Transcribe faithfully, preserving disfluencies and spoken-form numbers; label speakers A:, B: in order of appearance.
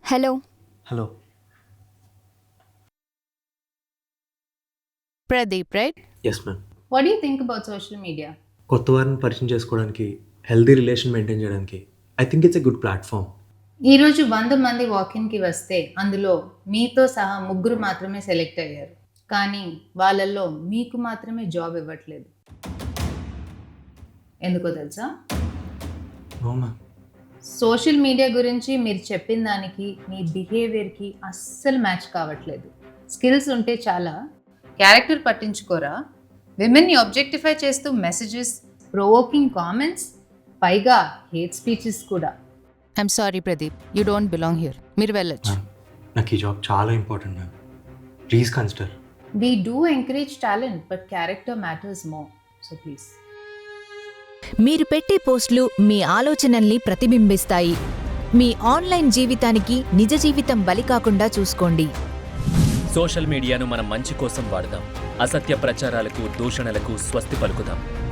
A: Hello
B: hello.
C: Pradeep, right?
B: Yes ma'am.
D: What do you think about social media?
B: కొత్త వారిని పరిచయం చేసుకోవడానికి, healthy relation maintain చేయడానికి I think it's a good platform.
D: ఈరోజు వంద మంది వాకిన్కి వస్తే అందులో మీతో సహా ముగ్గురు మాత్రమే సెలెక్ట్ అయ్యారు, కానీ వాళ్ళల్లో మీకు మాత్రమే జాబ్ ఇవ్వట్లేదు. ఎందుకో తెలుసా?
B: No ma'am.
D: సోషల్ మీడియా గురించి మీరు చెప్పిన దానికి మీ బిహేవియర్కి అస్సలు మ్యాచ్ కావట్లేదు. స్కిల్స్ ఉంటే చాలా, క్యారెక్టర్ పట్టించుకోరా, విమెన్ని ఆబ్జెక్టిఫై చేస్తూ మెసేజెస్, ప్రొవోకింగ్ కామెంట్స్, పైగా హేట్ స్పీచెస్ కూడా.
C: I'm sorry, Pradeep. You don't belong here. మీరు వెళ్ళొచ్చు.
B: మ్యామ్, నాకు ఈ జాబ్ చాలా important ma'am. Please consider.
D: We do encourage talent, but character matters more. So please.
A: మీరు పెట్టే పోస్టులు మీ ఆలోచనల్ని ప్రతిబింబిస్తాయి. మీ ఆన్లైన్ జీవితానికి నిజ జీవితం బలి కాకుండా చూసుకోండి.
E: సోషల్ మీడియాను మనం మంచి కోసం వాడదాం. అసత్య ప్రచారాలకు, దూషణలకు స్వస్తి పలుకుదాం.